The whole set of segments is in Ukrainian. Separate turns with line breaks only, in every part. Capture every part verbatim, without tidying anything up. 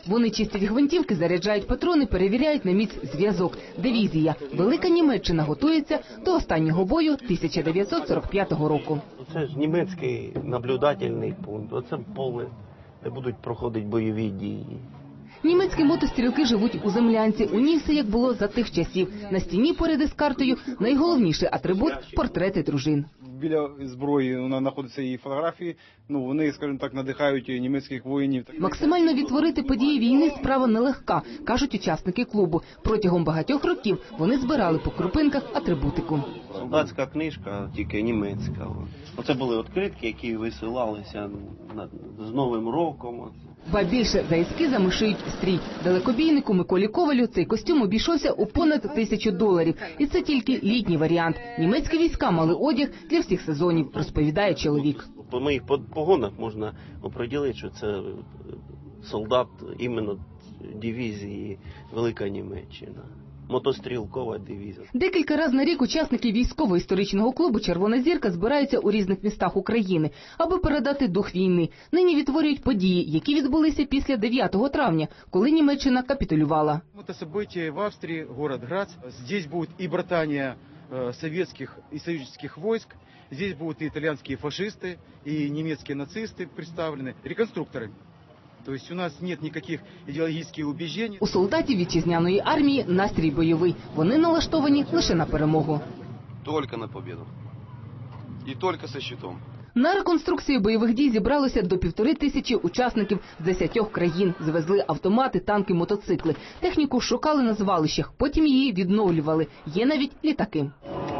Вони чистять гвинтівки, заряджають патрони, перевіряють на міць зв'язок. Дивізія «Велика Німеччина» готується до останнього бою тисяча дев'ятсот сорок п'ятого року.
Це ж німецький наблюдательний пункт. Оце поле, де будуть проходити бойові дії.
Німецькі мотострілки живуть у землянці. У ній все як було за тих часів. На стіні поряд із картою найголовніший атрибут – портрети дружин.
Біля зброї знаходяться і фотографії, ну вони, скажімо так, надихають німецьких воїнів.
Максимально відтворити події війни – справа нелегка, кажуть учасники клубу. Протягом багатьох років вони збирали по крупинках атрибутику.
Солдатська книжка, тільки німецька. Оце були відкритки, які висилалися з Новим роком.
Ба більше, за ескізами шиють стрій. Далекобійнику Миколі Ковалю цей костюм обійшовся у понад тисячу доларів. І це тільки літній варіант. Німецькі війська мали одяг для всіх сезонів, розповідає чоловік.
По моїх погонах можна оприділити, що це солдат іменно дивізії «Велика Німеччина». Мотострілкова дивізія.
Декілька разів на рік учасники військово-історичного клубу «Червона зірка» збираються у різних містах України, аби передати дух війни. Нині відтворюють події, які відбулися після дев'ятого травня, коли Німеччина капітулювала.
Це событие в Австрії, город Грац. Здесь будет и братания советских и союзных войск, здесь будут и итальянские фашисты, и немецкие нацисты представлены, реконструкторы. Тобто у нас немає ніяких ідеологічних убіждень.
У солдатів вітчизняної армії настрій бойовий. Вони налаштовані лише на перемогу.
Тільки на перемогу. І тільки зі щитом.
На реконструкцію бойових дій зібралося до півтори тисячі учасників з десятьох країн. Звезли автомати, танки, мотоцикли. Техніку шукали на звалищах, потім її відновлювали. Є навіть літаки.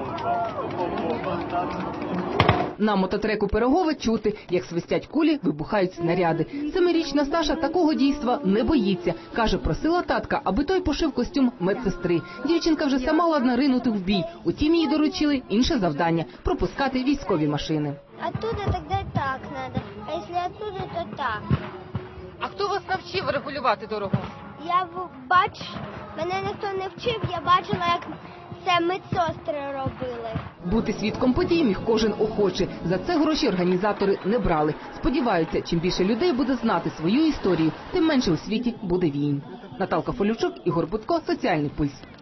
На мототреку Пирогове чути, як свистять кулі, вибухають снаряди. Семирічна Саша такого дійства не боїться. Каже, просила татка, аби той пошив костюм медсестри. Дівчинка вже сама ладна ринути в бій. Утім, їй доручили інше завдання – пропускати військові машини.
Оттуда тоді так треба, а якщо оттуда, то так.
А хто вас навчив регулювати дорогу?
Я бачу, мене ніхто не вчив, я бачила, як це медсестри робили.
Бути свідком подій міг кожен охочий. За це гроші організатори не брали. Сподіваються, чим більше людей буде знати свою історію, тим менше у світі буде війн. Наталка Фолючук, Ігор Будко, Соціальний пульс.